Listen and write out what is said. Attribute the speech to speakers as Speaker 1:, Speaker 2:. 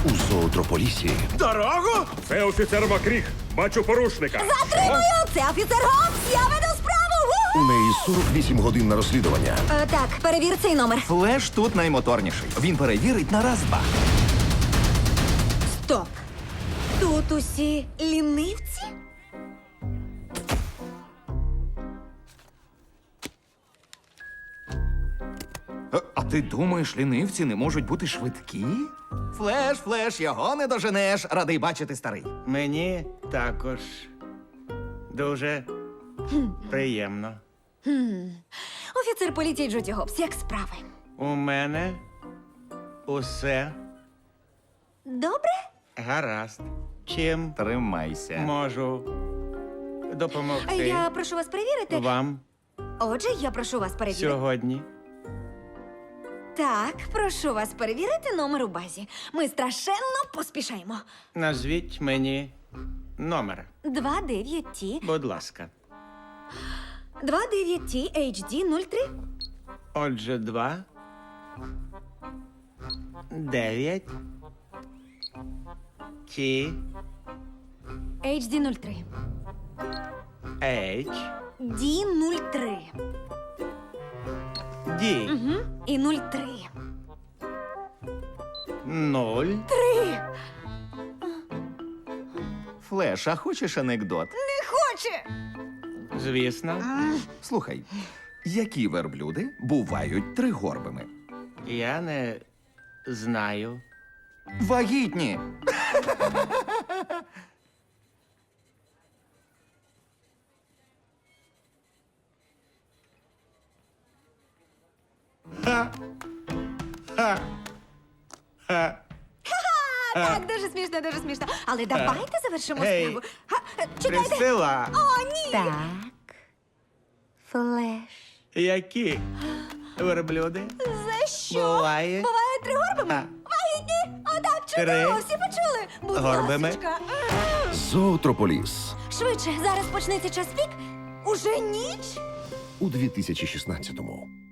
Speaker 1: У зоотрополісі
Speaker 2: Дорогу?
Speaker 3: Це офіцер Макріг. Бачу порушника.
Speaker 4: Затримую! Це офіцер Гобс! Я веду справу!
Speaker 1: у неї 48 годин на розслідування.
Speaker 4: Так, перевір цей номер.
Speaker 5: Флеш тут наймоторніший. Він перевірить на раз-два.
Speaker 4: Стоп! Тут усі лінивці?
Speaker 5: А ти думаєш, лінивці не можуть бути швидкі? Флеш, його не доженеш. Радий бачити, старий.
Speaker 2: Мені також дуже приємно.
Speaker 4: Офіцер поліції Джуді Гобс, як справи?
Speaker 2: У мене усе
Speaker 4: Добре?
Speaker 2: гаразд. Чим
Speaker 5: Тримайся.
Speaker 2: можу допомогти
Speaker 4: Я прошу вас перевірити.
Speaker 2: вам
Speaker 4: Отже, я прошу вас перевірити.
Speaker 2: сьогодні?
Speaker 4: Так, прошу вас перевірити номер у базі. Ми страшенно поспішаємо.
Speaker 2: Назвіть мені номер,
Speaker 4: 29T,
Speaker 2: будь ласка.
Speaker 4: 29T HD 03.
Speaker 2: Отже, 9 T
Speaker 4: HD 03.
Speaker 2: H
Speaker 4: D 03.
Speaker 2: D
Speaker 4: І 03.
Speaker 2: 0.
Speaker 4: 3.
Speaker 5: Флеш, а хочеш анекдот?
Speaker 4: Не хоче.
Speaker 2: Звісно,
Speaker 5: Слухай, які верблюди бувають тригорбими?
Speaker 2: я не знаю.
Speaker 5: Вагітні.
Speaker 4: Так, дуже смішно, дуже смішно. Але давайте завершимо
Speaker 2: Гей.
Speaker 4: справу. Чекайте.
Speaker 2: Присила,
Speaker 4: О, ні. Так. Флеш.
Speaker 2: які верблюди
Speaker 4: За що?
Speaker 2: буває
Speaker 4: Буває тригорбими?
Speaker 2: А.
Speaker 4: Вагітні? Отак, чудово,
Speaker 2: Три.
Speaker 4: всі почули. Будь
Speaker 2: Горбими.
Speaker 4: ласочка.
Speaker 1: Зоотрополіс
Speaker 4: Швидше, зараз почнеться час пік. Уже ніч?
Speaker 1: у 2016-му.